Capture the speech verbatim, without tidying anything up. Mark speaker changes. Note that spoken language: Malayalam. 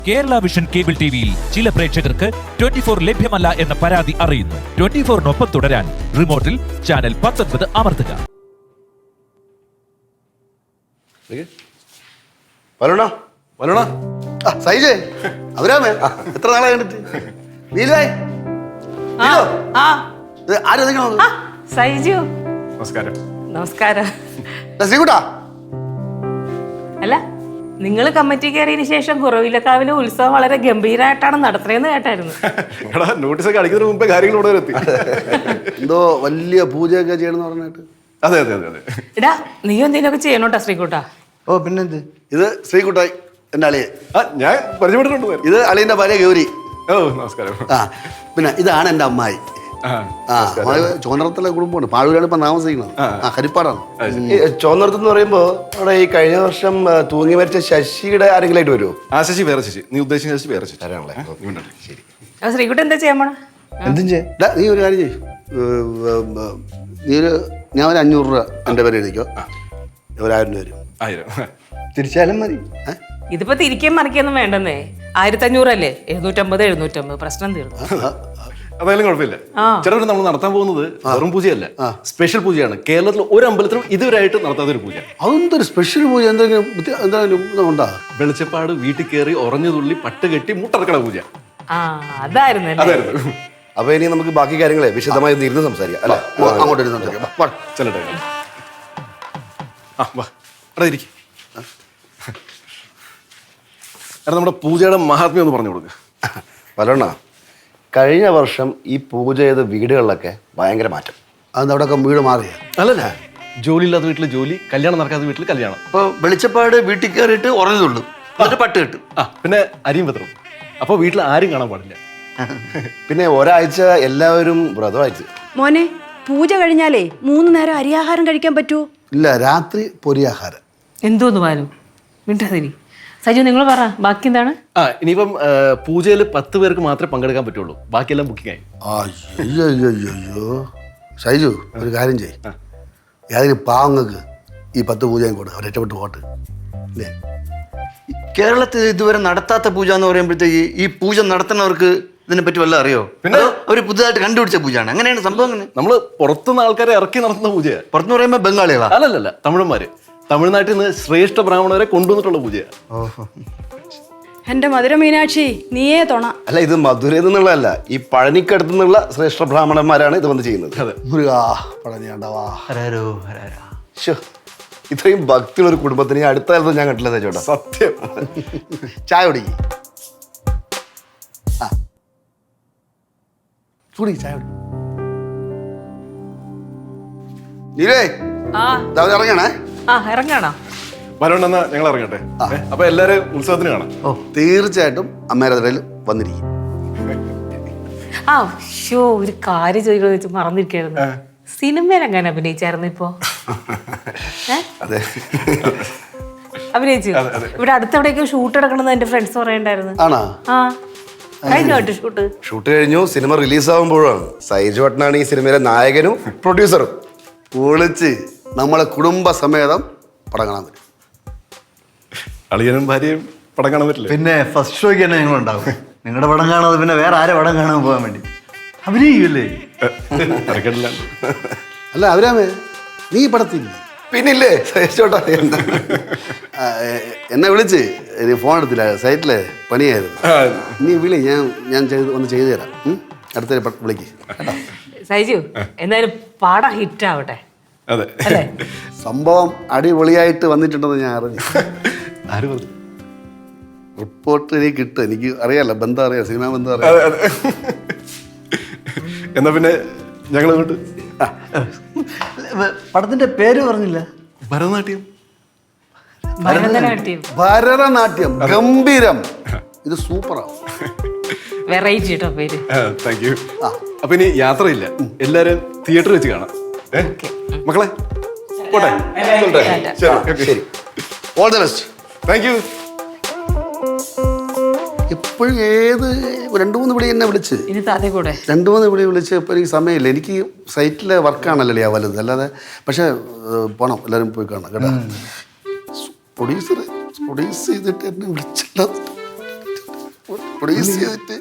Speaker 1: കേരള വിഷൻ കേബിൾ ടിവിയിൽ ചില പ്രേക്ഷകർക്ക് ട്വന്റി ഫോർ ലഭ്യമല്ല എന്ന പരാതി അറിയുന്നു. ട്വന്റി ഫോറിനൊപ്പം തുടരാൻ റിമോട്ടിൽ ചാനൽ പത്തൊൻപത് അമർത്തുക.
Speaker 2: വരണോ വരണോ സൈജേ അവരാമേ എത്ര നാളെ കണ്ടിട്ട് നീലായി
Speaker 3: സൈജു
Speaker 4: നമസ്കാരം.
Speaker 3: നമസ്കാരം.
Speaker 2: ശ്രീകുട്ടാ
Speaker 3: അല്ല, നിങ്ങൾ കമ്മിറ്റി കയറിയതിനു ശേഷം കുറവിലക്കാവിലെ ഉത്സവം വളരെ ഗംഭീരമായിട്ടാണ് നടത്തുന്നതെന്ന് കേട്ടായിരുന്നു.
Speaker 4: നോട്ടീസ് ഒക്കെ അടിക്കുന്നതിന് മുമ്പേ കാര്യങ്ങൾ ഇവിടെ എത്തി.
Speaker 2: എന്തോ വലിയ പൂജയൊക്കെ ചെയ്യണമെന്ന് പറഞ്ഞിട്ട്.
Speaker 4: അതെ അതെ അതെ അതെ.
Speaker 3: എടാ, നീ എന്തെങ്കിലുമൊക്കെ ചെയ്യണോട്ടാ ശ്രീകുട്ടാ.
Speaker 2: ഓ പിന്നെന്ത്, ഇത് ശ്രീകുട്ടായി എൻ്റെ അളിയെ.
Speaker 4: ആ ഞാൻ പരിചയപ്പെട്ടിട്ടുണ്ട്.
Speaker 2: ഇത് അളിയൻ്റെ ഭാര്യ ഗൗരി.
Speaker 4: ഓ നമസ്കാരം.
Speaker 2: ആ പിന്നെ ഇതാണ് എൻ്റെ അമ്മായി. ആ ചോന്നറത്തിലെ കുടുംബമാണ്. പാഴൂരാണ് ഇപ്പൊ താമസിക്കുന്നത്. ആ ഹരിപ്പാടാണ്.
Speaker 5: ചോന്നറത്ത് എന്ന് പറയുമ്പോ അവിടെ ഈ കഴിഞ്ഞ വർഷം തൂങ്ങി മരിച്ച ശശിയുടെ ആരെങ്കിലായിട്ട് വരുമോ?
Speaker 4: ആ ശശി വേറെ ശശി. നീ ഉദ്ദേശിച്ച ശശി വേറെ ശശി.
Speaker 5: ശരി.
Speaker 3: ശ്രീകുട്ട എന്താ ചെയ്യാൻ പോണ?
Speaker 5: എന്തും ചെയ്യാം.
Speaker 2: നീ ഒരു കാര്യം ചെയ്യും, നീ ഒരു ഞാൻ ഒരു അഞ്ഞൂറ് രൂപ എൻ്റെ പേര് എഴുതിക്കോ. ഒരായിരം രൂപ വരും.
Speaker 4: ആയിരം
Speaker 5: തിരിച്ചാലും മതി.
Speaker 3: ഇതിപ്പോ തിരിക്കാൻ മറിക്കൊന്നും വേണ്ടെന്നേ. ആയിരത്തി അഞ്ഞൂറല്ലേ, എഴുന്നൂറ്റമ്പത് എഴുന്നൂറ്റമ്പത് പ്രശ്നം തീർന്നു.
Speaker 4: അതായാലും കുഴപ്പമില്ല. ചേട്ടൻ നമ്മൾ നടത്താൻ പോകുന്നത് വെറും പൂജയല്ല, സ്പെഷ്യൽ പൂജയാണ്. കേരളത്തിൽ ഒരു അമ്പലത്തിലും ഇതുവരെയായിട്ട് നടത്താത്ത ഒരു പൂജ.
Speaker 2: അതെന്തൊരു സ്പെഷ്യൽ പൂജ? എന്തെങ്കിലും എന്തെങ്കിലും ഇതുണ്ടാ?
Speaker 4: വെളിച്ചപ്പാട് വീട്ടിൽ കയറി ഉറഞ്ഞു തുള്ളി പട്ട് കെട്ടി മുട്ടറക്കട പൂജ.
Speaker 3: ആ അതായിരുന്നു.
Speaker 4: അതായിരുന്നു.
Speaker 5: അപ്പൊ ഇനി നമുക്ക് ബാക്കി കാര്യങ്ങളെ വിശദമായി ഇരുന്ന് സംസാരിക്കാം അല്ലെ?
Speaker 2: അങ്ങോട്ട് ഇരുന്ന് സംസാരിക്കാം.
Speaker 4: ചെല്ലട്ടെ. ആ വാ അവിടെ ഇരിക്കും. എടാ നമ്മുടെ പൂജയുടെ മഹാത്മ്യം ഒന്ന് പറഞ്ഞു കൊടുക്കുക.
Speaker 5: പലണ്ണ, കഴിഞ്ഞ വർഷം ഈ പൂജ ചെയ്ത വീടുകളിലൊക്കെ ഭയങ്കര മാറ്റം.
Speaker 2: അതെന്താ അവിടെയൊക്കെ വീട് മാറിയ?
Speaker 4: അല്ലല്ല, ജോലി ഇല്ലാത്ത വീട്ടിൽ ജോലി, കല്യാണം നടക്കാത്ത വീട്ടിൽ കല്യാണം.
Speaker 2: ഇപ്പൊ വെളിച്ചപ്പാട് വീട്ടിൽ കയറിയിട്ട് ഉറഞ്ഞതുള്ളൂ, എന്നിട്ട് പട്ട് കിട്ടും.
Speaker 4: ആ പിന്നെ അരിയും പത്രം. അപ്പോൾ വീട്ടിൽ ആരും കാണാൻ പാടില്ല.
Speaker 5: പിന്നെ ഒരാഴ്ച എല്ലാവരും വ്രതമായിട്ട്.
Speaker 6: മോനെ, പൂജ കഴിഞ്ഞാലേ മൂന്ന് നേരം അരിയാഹാരം കഴിക്കാൻ പറ്റുമോ?
Speaker 2: ഇല്ല, രാത്രി പൊരിയാഹാരം.
Speaker 3: എന്തോന്ന് പാലും മിണ്ടാതിരി. സജു നിങ്ങൾ പറ, ബാക്കി എന്താണ്?
Speaker 4: ആ ഇനിയിപ്പം പൂജയിൽ പത്ത് പേർക്ക് മാത്രമേ പങ്കെടുക്കാൻ പറ്റുള്ളൂ, ബാക്കിയെല്ലാം ബുക്കിംഗ് ആയി.
Speaker 2: അയ്യോ അയ്യോ അയ്യോ ഷൈജു, ഒരു കാര്യം ചെയ്യ്, ഏതെങ്കിലും പാവങ്ങൾക്ക് ഈ പത്ത് പൂജയും കൊടുക്കുക, അവർ രക്ഷപ്പെട്ട് പോട്ട്. അല്ലേ,
Speaker 7: കേരളത്തിൽ ഇതുവരെ നടത്താത്ത പൂജ എന്ന് പറയുമ്പോഴത്തേക്ക് ഈ പൂജ നടത്തുന്നവർക്ക് ഇതിനെ പറ്റി വല്ല അറിയോ?
Speaker 4: പിന്നെ
Speaker 7: അവർ പുതുതായിട്ട് കണ്ടുപിടിച്ച പൂജയാണ്. അങ്ങനെയാണ് സംഭവം. അങ്ങനെ
Speaker 4: നമ്മൾ പുറത്തുനിന്ന് ആൾക്കാരെ ഇറക്കി നടത്തുന്ന പൂജയാണ്.
Speaker 7: പുറത്തുനിന്ന് പറയുമ്പോൾ ബംഗാളികളാ?
Speaker 4: അല്ലല്ല, തമിഴന്മാര്. തമിഴ്നാട്ടിൽ നിന്ന് ശ്രേഷ്ഠ ബ്രാഹ്മണരെ കൊണ്ടുവന്നിട്ടുള്ള പൂജയാണ്.
Speaker 7: ഓഹോ.
Speaker 6: എന്റെ മധുര മീനാക്ഷി, നീയേ തൊണ.
Speaker 5: അല്ല, ഇത് മധുരയിൽ നിന്നുള്ളതല്ല, ഈ പഴനിക്കടുത്ത് നിന്നുള്ള ശ്രേഷ്ഠ ബ്രാഹ്മണന്മാരാണ് ഇത് വന്ന് ചെയ്യുന്നത്.
Speaker 4: അതെ.
Speaker 2: മുരുകാ പഴനിയാണ്ടവാ.
Speaker 7: ഹരരോ ഹരര.
Speaker 5: ശ്ശോ, ഇത്രയും ഭക്തിയുള്ള ഒരു കുടുംബത്തിന് അടുത്ത കാലത്ത് ഞാൻ കണ്ടില്ല ചേട്ടാ.
Speaker 4: സത്യം.
Speaker 2: ചായ കുടിക്ക്. ആ കുടി, ചായ കുടി. നീലേ,
Speaker 3: ആ
Speaker 2: ഇറങ്ങണേ.
Speaker 3: ആ ഇറങ്ങാണോ?
Speaker 4: വരണ്ടെന്നാ ഞങ്ങൾ ഇറങ്ങട്ടെ. അപ്പൊ എല്ലാരും ഉത്സവത്തിന് കാണാം.
Speaker 2: ഓ തീർച്ചയായിട്ടും അമ്മേരയിൽ വന്നിരിക്കും.
Speaker 3: ആ ഷോ ഒരു കാര്യം ചോദിക്കണമെന്ന് വെച്ച് മറന്നിരിക്കായിരുന്നു. സിനിമയിൽ എങ്ങനെ അഭിനയിച്ചായിരുന്നു ഇപ്പോ?
Speaker 5: അതെ,
Speaker 3: അഭിനയിച്ചു. ഇവിടെ അടുത്തെവിടെയൊക്കെ ഷൂട്ട് എടുക്കണമെന്ന് എന്റെ ഫ്രണ്ട്സ് പറയണ്ടായിരുന്നു.
Speaker 2: ആണോ?
Speaker 3: ആ കഴിഞ്ഞു കേട്ടോ ഷൂട്ട്.
Speaker 5: ഷൂട്ട് കഴിഞ്ഞു. സിനിമ റിലീസാകുമ്പോഴാണ് സൈജു ഏട്ടനാണ് ഈ സിനിമയിലെ നായകനും പ്രൊഡ്യൂസറും.
Speaker 2: പൊളിച്ച് നമ്മളെ കുടുംബസമേതം പടം കാണാൻ പറ്റും.
Speaker 4: അളിയനും ഭാര്യയും പടം കാണാൻ പറ്റില്ല.
Speaker 7: പിന്നെ ഫസ്റ്റ് ഷോയ്ക്ക് തന്നെ ഞങ്ങളുണ്ടാവും. നിങ്ങളുടെ പടം കാണാതെ പിന്നെ വേറെ ആരെ പടം കാണാൻ പോകാൻ വേണ്ടി അഭിനയിക്കുമല്ലേ?
Speaker 4: തിരക്കില്ല.
Speaker 2: അല്ല അവരാമേ, നീ പടത്തില്ല?
Speaker 5: പിന്നില്ലേ സൈജോട്ടാ.
Speaker 2: എന്നെ വിളിച്ച് ഫോൺ എടുത്തില്ല, സൈറ്റിലെ പണിയായിരുന്നു. നീ വിളി, ഞാൻ ഞാൻ ചെയ്ത് ഒന്ന് ചെയ്തു തരാം. അടുത്ത വിളിക്ക്.
Speaker 3: സൈജു എന്തായാലും പാടം ഹിറ്റ് ആവട്ടെ.
Speaker 4: അതെ,
Speaker 3: അല്ലേ?
Speaker 2: സംഭവം അടിപൊളിയായിട്ട് വന്നിട്ടുണ്ടെന്ന് ഞാൻ അറിഞ്ഞു.
Speaker 4: ആര് പറഞ്ഞു?
Speaker 2: റിപ്പോർട്ട് എനിക്ക് കിട്ടും, എനിക്ക് അറിയാലോ, ബന്ധം അറിയാം, സിനിമാ ബന്ധം അറിയാം.
Speaker 4: എന്നാ പിന്നെ ഞങ്ങൾ അങ്ങോട്ട്.
Speaker 7: പടത്തിന്റെ പേര് പറഞ്ഞില്ല.
Speaker 4: ഭരതനാട്യം.
Speaker 3: ഭരതനാട്യം.
Speaker 2: ഭരതനാട്യം ഗംഭീരം. ഇത് സൂപ്പറാണ്.
Speaker 3: വെറൈറ്റി കേട്ടോ പേര്.
Speaker 4: Thank you. അപ്പൊ ഇനി യാത്രയില്ല, എല്ലാരും തിയേറ്ററിൽ വെച്ച് കാണാം. മക്കളെ പോട്ടെ.
Speaker 5: ശരി,
Speaker 2: all the best.
Speaker 4: Thank you.
Speaker 2: എപ്പോഴും ഏത് രണ്ടു മൂന്ന് വിളി എന്നെ വിളിച്ച്
Speaker 3: ഇനി താതെ കൂടെ
Speaker 2: രണ്ടു മൂന്ന് വിളി വിളിച്ച് ഇപ്പോൾ എനിക്ക് സമയമില്ല. എനിക്ക് സൈറ്റിലെ വർക്കാണല്ലോ ആ വലുത്, അല്ലാതെ. പക്ഷെ പോണം, എല്ലാവരും പോയി കാണാം കേട്ടോ. പ്രൊഡ്യൂസർ പ്രൊഡ്യൂസ് ചെയ്തിട്ട് എന്നെ വിളിച്ചില്ല. പ്ലീസ് ചെയ്തിട്ട്